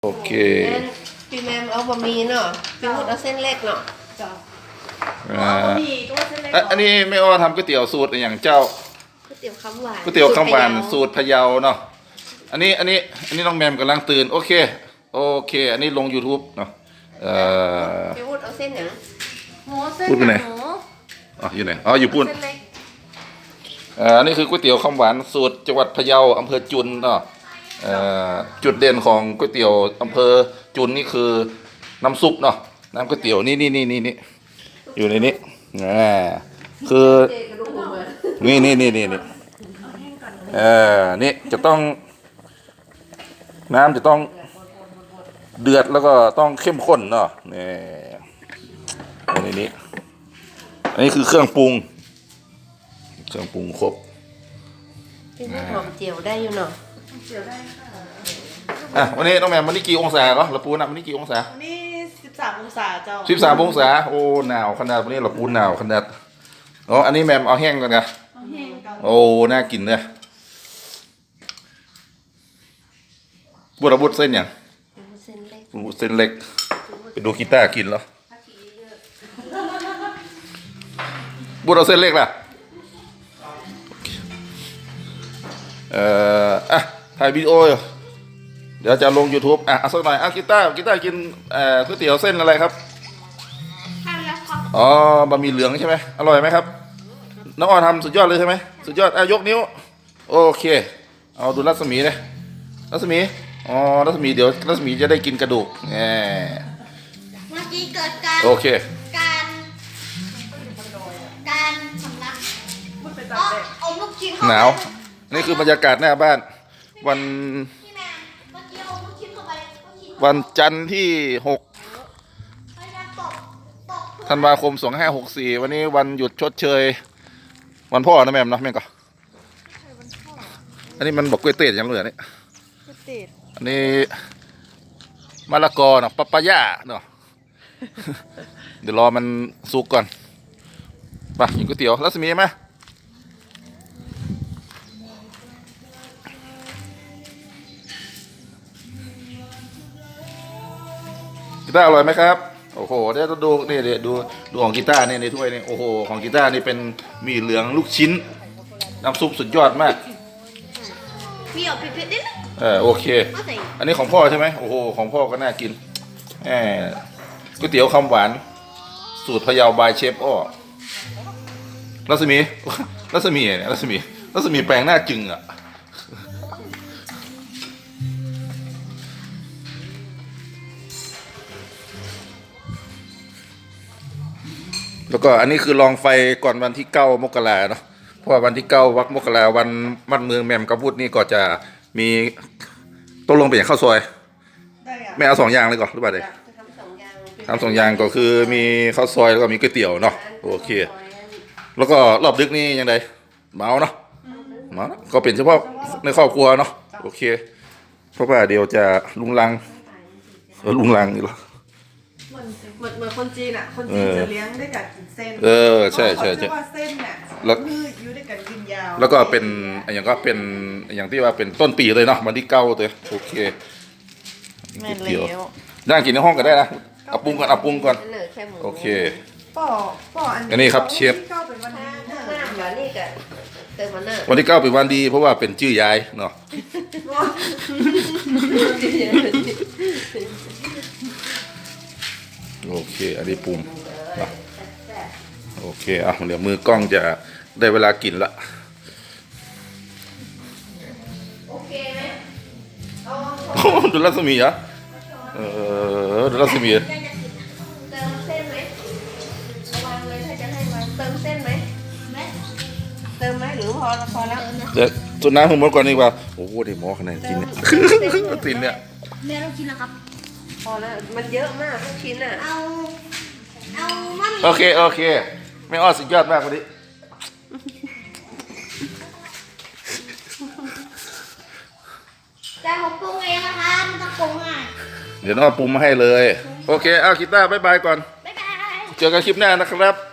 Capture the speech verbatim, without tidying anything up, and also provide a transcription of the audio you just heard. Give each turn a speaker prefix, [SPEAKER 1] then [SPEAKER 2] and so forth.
[SPEAKER 1] โอเค
[SPEAKER 2] พี่แมมเอาบะหมี่เนาะพี่มุดเอาเส้นเล็กเนาะ
[SPEAKER 3] จ้ะ
[SPEAKER 1] อ่า
[SPEAKER 3] เอาบะหมี่ก็ว่าเส้นเล็กเหร
[SPEAKER 1] อ่ะ
[SPEAKER 3] อ
[SPEAKER 1] อันนี้ไม่อ้อทำก๋วยเตี๋ยวสูตรอย่างเจ้า
[SPEAKER 2] ก๋วยเตี๋ยวคำหวาน
[SPEAKER 1] ก๋วยเตี๋ยวข้าวหวาน
[SPEAKER 2] สู
[SPEAKER 1] สู
[SPEAKER 2] ตร
[SPEAKER 1] ตรพะเยาเนาะอันนี้อันนี้อันนี้น้องแมมกำลังตื่นโอเคโอเค อันนี้ลง YouTube เนาะเอ่อ
[SPEAKER 2] พี่มุดเอาเส้นอย่าง
[SPEAKER 3] หมูเส้น
[SPEAKER 1] พูดไปไหน
[SPEAKER 3] หมู
[SPEAKER 1] อ๋ออยู่ไหนอ๋ออยู่ปุ่น
[SPEAKER 3] เส้นเล็ก
[SPEAKER 1] เอ่ออันนี้คือก๋วยเตี๋ยวข้าวหวานสูตรจังหวัดพะเยาอำเภอจุนเนาะเอ่อจุดเด่นของก๋วยเตี๋ยวอำเภอจุนนี่คือน้ำซุปเนาะน้ำก๋วยเตี๋ยวนี่นี่นี่นี่นี่อยู่ในนี้อ่าคือ
[SPEAKER 2] เจกระดูกหมูเหมือน
[SPEAKER 1] นี่นี่นี่นี่นี่เออนี่จะต้องน้ำจะต้องเดือดแล้วก็ต้องเข้มข้นเนาะนี่อันนี้อันนี้คือเครื่องปรุงเครื่องปรุงครบ
[SPEAKER 2] พี่มุดหอมเจียวได้อยู่เนาะ
[SPEAKER 3] เสียวได้ค่ะ
[SPEAKER 1] อ่ะวันนี้น้องแหม่มวันนี้กี่องศาเหรอเราปูนอ่ะวันนี้กี่องศา
[SPEAKER 3] วันนี้สิบสามองศาเจ้า
[SPEAKER 1] สิบสามองศาโอ้หนาวขนาดวันนี้เราปูนหนาวขนาดอ๋ออันนี้แหม่มเอาแห้งก่อนนะ
[SPEAKER 3] เอาแห้งกัน
[SPEAKER 1] โอ้น่ากินเลยบุระบุดเส้นอย่าง
[SPEAKER 2] เส้นเล็ก
[SPEAKER 1] บุดเส้นเล็กไปดูกีตาร์กินแล้วบุดเอาเส้นเล็กล่ะเอ่ออ่ะถ่ายวิดีโออยู่เดี๋ยวจะลง YouTube อ่ะเอาสักหน่อยอ่ะกีตาร์กีตาร์กินเอ่อก๋วยเตี๋ยวเส้นอะไรครับ
[SPEAKER 3] ข้าวแล้วครับ
[SPEAKER 1] อ๋อบะหมี่เหลืองใช่ไหมอร่อยไหมครับน้องออนทำสุดยอดเลยใช่ไหมสุดยอดอ่ะยกนิ้วโอเคเอาดูรัศมีเลยรัศมีอ๋อรัศมีเดี๋ยวรัศมีจะได้กินกระดูกแหม
[SPEAKER 4] เมื่อกี้เกิดการ
[SPEAKER 1] โอเค
[SPEAKER 4] การการสำลัก
[SPEAKER 3] พูดไป
[SPEAKER 4] เพ
[SPEAKER 3] ตาม
[SPEAKER 4] ราะ
[SPEAKER 3] เด็ก
[SPEAKER 4] เอาลูกชิ้นเข้า
[SPEAKER 1] ห
[SPEAKER 4] ไป
[SPEAKER 1] นาวนี่คือบรรยากาศหน้าบ้าน วัน
[SPEAKER 4] พี่แม่เมื่อกี้เอาลูกชิ้นเข้าไปลูกชิ้น
[SPEAKER 1] วันจันทร์ที่หก
[SPEAKER 4] พยายามตกตก
[SPEAKER 1] ธันวาคมสองห้าหกสี่วันนี้วันหยุดชดเชย วันพ่อนะแม่มเนาะแม่งก็อันนี้มันบอกกล้วยเตี๋ยวยังเหลือนี่
[SPEAKER 3] ติด
[SPEAKER 1] อันนี้มะละกอเนาะปะปะย่าเนาะ เดี๋ยวรอมันสุกก่อนไปกินก๋วยเตี๋ยวรัศมีไหมกีตาร์อร่อยไหมครับโอ้โหเดี๋ยวดูนี่เดี๋ยวดูดูของกีตาร์นี่ในถ้วยนี่โอ้โหของกีตาร์นี่เป็นหมี่เหลืองลูกชิ้นน้ำซุปสุดยอดมาก
[SPEAKER 4] มีออกเผ็ดๆนิดนึง
[SPEAKER 1] เออโอเค
[SPEAKER 4] เอาใส่
[SPEAKER 1] อันนี้ของพ่อใช่ไหมโอ้โหของพ่อก็น่ากินแหมก๋วยเตี๋ยวคำหวานสูตรพะเยาบายเชฟอ้อรัศมี รัศมีเนี่ยรัศมีรัศมีแปลงหน้าจึงอ่ะแล้วก็อันนี้คือลองไฟก่อนวันที่เก้ามกราเนาะเพราะว่าวันที่เก้าวักมกราวันมัดเมืองแมมกระพุดนี่ก็จะมีต้องลงไปอย่างข้าวซอย
[SPEAKER 3] ได้อะ
[SPEAKER 1] แม่เอาสองอย่างเลยก่อนหรือเปล่าเด็ก
[SPEAKER 2] จะทำสองอย่าง
[SPEAKER 1] ทำสองอย่างก็คือมีข้าวซอยแล้วก็มีก๋วยเตี๋ยวเนาะโอเค แล้วก็รอบดึกนี่ยังไงเมาเนาะเมาเนาะก็เป็นเฉพาะในครอบครัวเนาะโอเค เพราะว่าเดี๋ยวจะลุงลังเออลุงลังนี่หรอ
[SPEAKER 3] เหมือนเหมือนเหมือนคนจีนอ่ะ คนจีนจะเลี้ยงด้วยการกินเส้น
[SPEAKER 1] เออใช่ใช่ใช่
[SPEAKER 3] เพราะว่าเส้นเนี่ย
[SPEAKER 1] แล้ว
[SPEAKER 3] ยืดยืดด้วยการกินยาว
[SPEAKER 1] แล้วก็เป็นอย่างก็เป็นอย่างที่ว่าเป็นต้นปีเลยเนาะวันที่เก้าเลยโอเค
[SPEAKER 3] แม่นแล้ว
[SPEAKER 1] นั่งกินในห้องก็ได้นะเอาปรุงก่อนเอาปรุงก่อน
[SPEAKER 2] เนอแค่หมู
[SPEAKER 1] โอเค
[SPEAKER 3] ป่อป่ออัน
[SPEAKER 1] อันนี้ครับเชฟ
[SPEAKER 3] ที่เข้าเป็นวัน
[SPEAKER 2] ถ้า
[SPEAKER 3] นี้
[SPEAKER 2] ถ้าหน้าหมานี่ก็เติมมันเนอร์
[SPEAKER 1] วันที่เก้าเป็นวันดีเพราะว่าเป็นชื่อยายเนาะโอเคอันนี้ปรุงอ่ะโอเคอ่ะเดี๋ยวมือกล้องจะได้เวลากินละ
[SPEAKER 2] โอเคไหมเอา
[SPEAKER 1] โอ้ดูรัศมีเหรอเออดูรัศมี
[SPEAKER 2] เติมเส้นไหมระวังเลยถ้าจะให้วางเติมเส้นไหมเติมไหมหรือพอพอแล้ว
[SPEAKER 1] เดี๋ยวจุดน้ำผมหมดก่อนดีกว่าโอ้โหได้หมอขนาดกินเนี่ยตินเนี่ย
[SPEAKER 4] แม่ต้องกินนะครับ
[SPEAKER 2] พอแล้วมันเยอะมากทุกชิ้นอ่ะ
[SPEAKER 4] เอาเอามัน
[SPEAKER 1] โอเคโอเคไม่อ้อสุดยอดมากวันนี้
[SPEAKER 4] แต่ผมปรุงเองนะคะไม่ต้องปรุงอ่ะ
[SPEAKER 1] เดี๋ยวน้องเอาปรุงมาให้เลยโอเคเอากีตาร์บ๊ายบายก่อน
[SPEAKER 4] บ๊ายบาย
[SPEAKER 1] เจอกันคลิปหน้านะครับ